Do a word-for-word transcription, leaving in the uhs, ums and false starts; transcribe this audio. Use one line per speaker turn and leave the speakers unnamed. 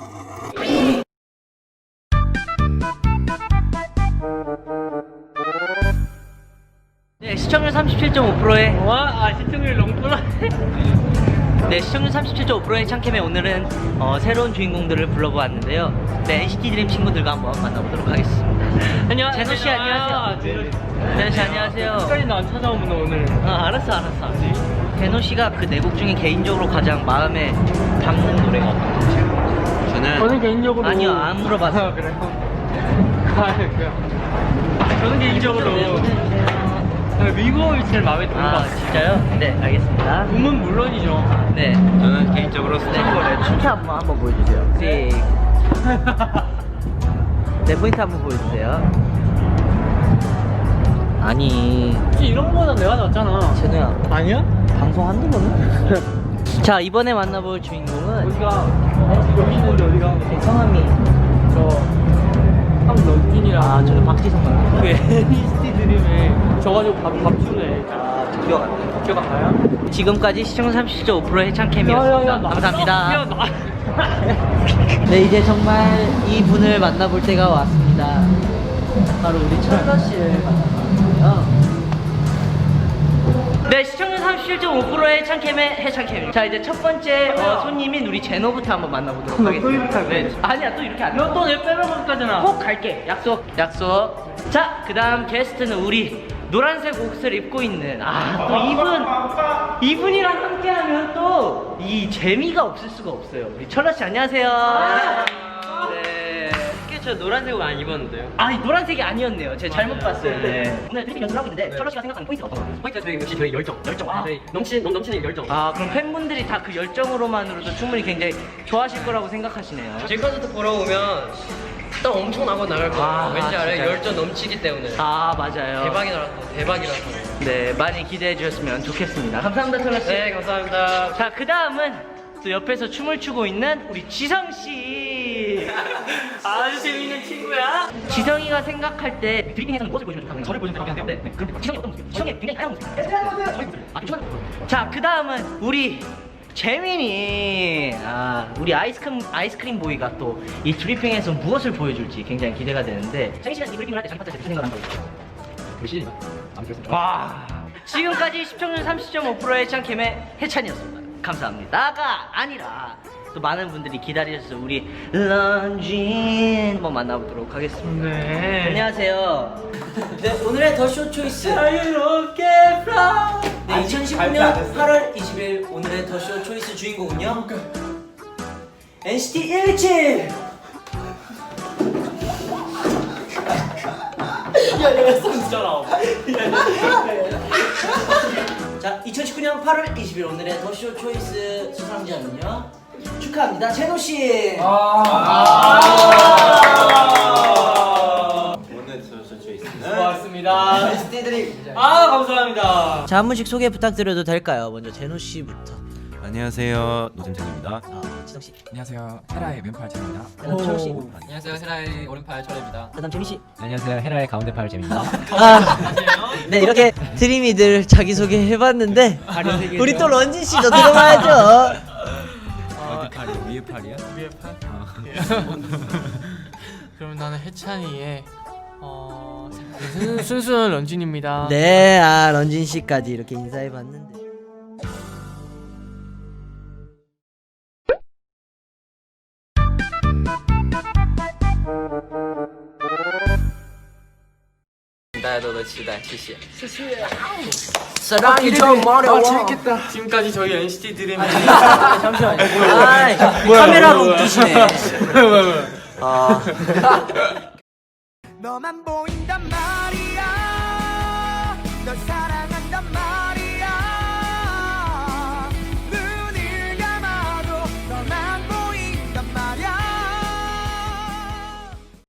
네, 시청률 삼십칠 점 오 퍼센트의
와, 아 시청률 너무 꿀라.
네, 시청률 삼십칠 점 오 퍼센트의 창캠에 오늘은 어, 새로운 주인공들을 불러보았는데요. 네, 엔시티 드림 친구들과 한번 만나보도록 하겠습니다.
안녕하세요.
제노 씨 안녕하세요. 제노 씨 안녕하세요.
끝까지 안 찾아오면 오늘.
아, 알았어, 알았어. 제노 씨가 그 네 곡 중에 개인적으로 가장 마음에 담는 노래가 어떤 곡이에요?
저는
저는 개인적으로
아니요, 안 물어봤어요.
아, 그래요? 아, 그래요. 저는 개인적으로 미국이 제일 마음에 드는 것
아,
같아요.
진짜요? 네, 알겠습니다.
음은 물론이죠.
네.
저는 개인적으로
네,
스탠거를
춤 한번 한번 보여주세요. 네. 네, 포인트 한번 보여주세요. 아니,
혹시 이런 거보다 내가 낫잖아.
제노야,
아니야?
방송 한두 번은? 자, 이번에 만나볼 주인공은
어디가? 여기 있는데 어디가?
성함이
저 황런진이랑
아, 저는 박지성 감독.
그 엔시티 드림에 져가지고 바로 밥주네.
아, 기억 안 나요.
기억 안 나요?
지금까지 시청률 삼십칠 점 오 퍼센트의 창캠이었습니다.
나-
감사합니다.
야, 나.
네, 이제 정말 이 분을 만나볼 때가 왔습니다. 바로 우리 철거 씨를 만나봤고요. 네, 시청률 삼십칠 점 오 퍼센트의 창캠의 해창캠입니다. 자, 이제 첫 번째 어, 손님인 우리 제노부터 한번 만나보도록
또
하겠습니다.
이렇게 할 거야?
네, 아니야, 또 이렇게 안 돼.
너 또 내 빼먹을 거잖아.
꼭 갈게. 약속. 약속. 자, 그 다음 게스트는 우리 노란색 옷을 입고 있는 아, 또 이분 이분이랑 함께하면 또 이 재미가 없을 수가 없어요. 우리 철러 씨 안녕하세요. 네.
저 노란색 옷 안 입었는데요.
아, 이 노란색이 아니었네요. 제가 잘못 봤어요. 네. 오늘 드림 연습을 하고 있는데 철러 씨가 생각하는 포인트가 어떤 거예요?
포인트 저희 역시 저희 열정.
열정. 아.
저희 넘치 넘 넘치는 열정.
아, 그럼 팬분들이 다 그 열정으로만으로도 충분히 굉장히 좋아하실 거라고 생각하시네요.
지금까지도 보러 오면 또 엄청나고 나갈 거예요.
아,
왠지 알아요?
진짜요?
열정 넘치기 때문에.
아, 맞아요.
대박이라서 대박이라서.
네, 많이 기대해 주셨으면 좋겠습니다. 감사합니다, 철러 씨.
네, 감사합니다.
자, 그 다음은 또 옆에서 춤을 추고 있는 우리 지성씨.
아주 재밌는 친구야.
지성이가 생각할 때 드리핑에서는 무엇을 보여주면 좋다고 저를 보여주면 좋다고 생각하는데 네, 그럼 지성이 어떤 모습이에요? 지성이 굉장히 다양한 모습이에요. 아, 좀 좋아요. 자, 그 다음은 우리 재민이. 아, 우리 아이스크림, 아이스크림 보이가 또 이 드리핑에서 무엇을 보여줄지 굉장히 기대가 되는데 재민 씨는 이 드리핑을 할 때 자기 파트에서 무슨 생각을 한 거예요?
글씨 안 그랬으면
와, 지금까지 시청률 삼십 점 오 퍼센트의 창캠의 해찬이었습니다. 감사합니다가 아니라 또 많은 분들이 기다리셔서 우리 런쥔 한번 만나보도록 하겠습니다.
네.
안녕하세요. 네, 오늘의 더 쇼 초이스.
자유롭게 플라.
네, 이천십구 년 팔월 이십일 오늘의 더 쇼 초이스 주인공은요. 엔시티 일칠.
야, 내가 son잖아.
자, 이천십구 년 팔월 이십일 오늘의 더 쇼 초이스 수상자는요. 축하합니다, 제노 씨.
오늘 저저 있습니다.
고맙습니다.
엔시티 드림.
아, 감사합니다.
자, 한 분씩 소개 부탁드려도 될까요? 먼저 제노 씨부터.
안녕하세요, 노잼재입니다.
아, 지성 씨.
안녕하세요. 헤라의 왼팔 재입니다.
그다음 철호 씨.
안녕하세요. 헤라의 오른팔 철입니다.
그다음 재민 씨.
안녕하세요. 헤라의 가운데 팔 재입니다.
아, 네, 이렇게 드림이들 자기 소개 해봤는데 우리 또 런쥔 씨도 들어봐야죠.
어디 팔이요? 위에 팔이요?
위에 팔? 그럼 나는 해찬이의 어 순- 순수한 런쥔입니다.
네, 아 런쥔 씨까지 이렇게 인사해봤는데. 사랑이 좀 어려워.
지금까지 저희 엔시티 드림의
잠시만요. 아, 카메라로 웃기시네. 아.
너만 보인단 말이야 널 사랑한단 말이야